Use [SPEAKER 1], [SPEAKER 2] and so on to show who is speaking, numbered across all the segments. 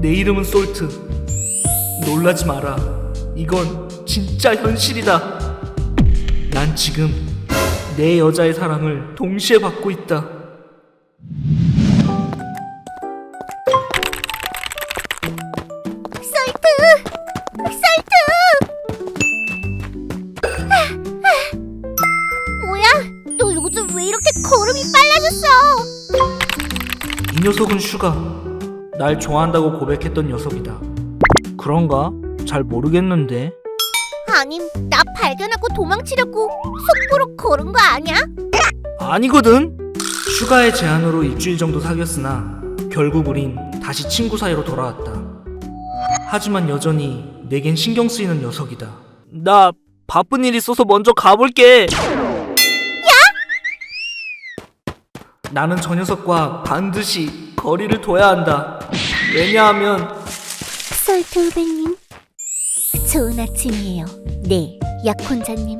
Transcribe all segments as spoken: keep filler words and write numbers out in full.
[SPEAKER 1] 내 이름은 솔트. 놀라지 마라. 이건 진짜 현실이다. 난 지금 내 여자의 사랑을 동시에 받고 있다.
[SPEAKER 2] 솔트! 솔트! 뭐야? 너 요즘 왜 이렇게 걸음이 빨라졌어?
[SPEAKER 1] 이 녀석은 슈가. 날 좋아한다고 고백했던 녀석이다. 그런가? 잘 모르겠는데.
[SPEAKER 2] 아님 나 발견하고 도망치려고 속보로 걸은 거 아니야?
[SPEAKER 1] 아니거든. 슈가의 제안으로 일주일 정도 사귀었으나 결국 우린 다시 친구 사이로 돌아왔다. 하지만 여전히 내겐 신경 쓰이는 녀석이다. 나 바쁜 일 있어서 먼저 가볼게. 야! 나는 저 녀석과 반드시 거리를 둬야 한다. 왜냐하면
[SPEAKER 2] 솔트 후배님, 좋은 아침이에요. 네, 약혼자님.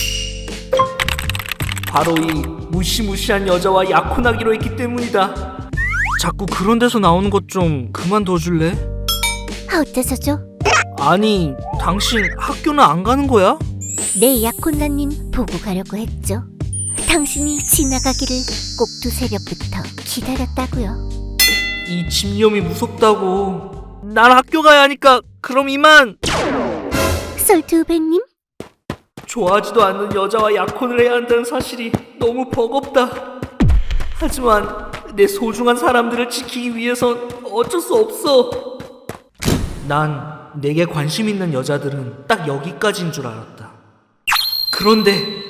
[SPEAKER 1] 바로 이 무시무시한 여자와 약혼하기로 했기 때문이다. 자꾸 그런 데서 나오는 것 좀 그만둬줄래?
[SPEAKER 2] 어째서죠?
[SPEAKER 1] 아니, 당신 학교는 안 가는 거야?
[SPEAKER 2] 네, 약혼자님 보고 가려고 했죠. 당신이 지나가기를 꼭두 새벽부터 기다렸다고요.
[SPEAKER 1] 이 집념이 무섭다고. 난 학교 가야 하니까 그럼 이만.
[SPEAKER 2] 솔트 후배님?
[SPEAKER 1] 좋아하지도 않는 여자와 약혼을 해야 한다는 사실이 너무 버겁다. 하지만 내 소중한 사람들을 지키기 위해선 어쩔 수 없어. 난 내게 관심 있는 여자들은 딱 여기까지인 줄 알았다. 그런데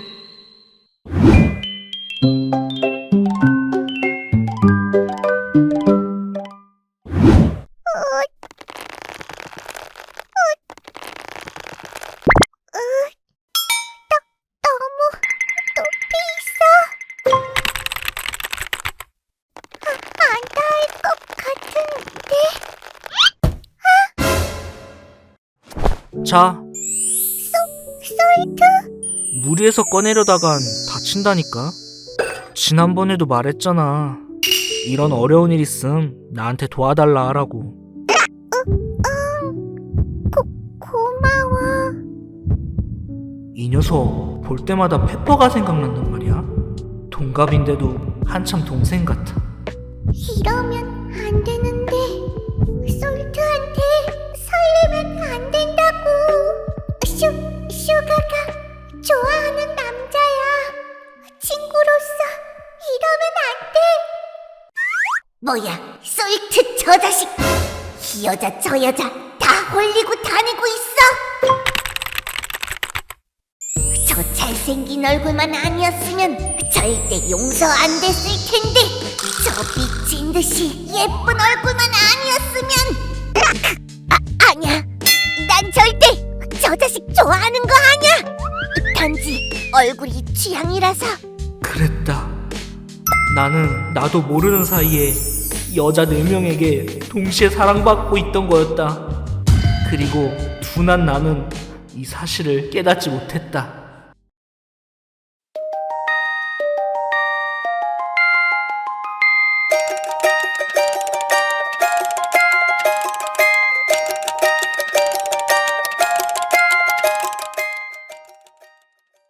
[SPEAKER 1] 자,
[SPEAKER 2] 솔트?
[SPEAKER 1] 무리해서 꺼내려다간 다친다니까. 지난번에도 말했잖아. 이런 어려운 일 있음 나한테 도와달라 하라고.
[SPEAKER 2] 고, 고마워.
[SPEAKER 1] 이 녀석 볼 때마다 페퍼가 생각난단 말이야. 동갑인데도 한참 동생 같아.
[SPEAKER 2] 이러면 안 되는데. 솔트한테 설레면 안 된다고. 슈, 슈가가 좋아하는 남자야. 친구로서 이러면 안 돼. 뭐야, 솔트 저 자식. 이 여자 저 여자 다 홀리고 다니고 있어. 저 잘생긴 얼굴만 아니었으면 절대 용서 안 됐을 텐데. 저 미친 듯이 예쁜 얼굴만 아니었으면. 아, 아니야. 난 절대 저 자식 좋아하는 거 아니야. 단지 얼굴이 취향이라서.
[SPEAKER 1] 그랬다. 나는 나도 모르는 사이에 여자 네 명에게 동시에 사랑받고 있던 거였다. 그리고 둔한 나는 이 사실을 깨닫지 못했다.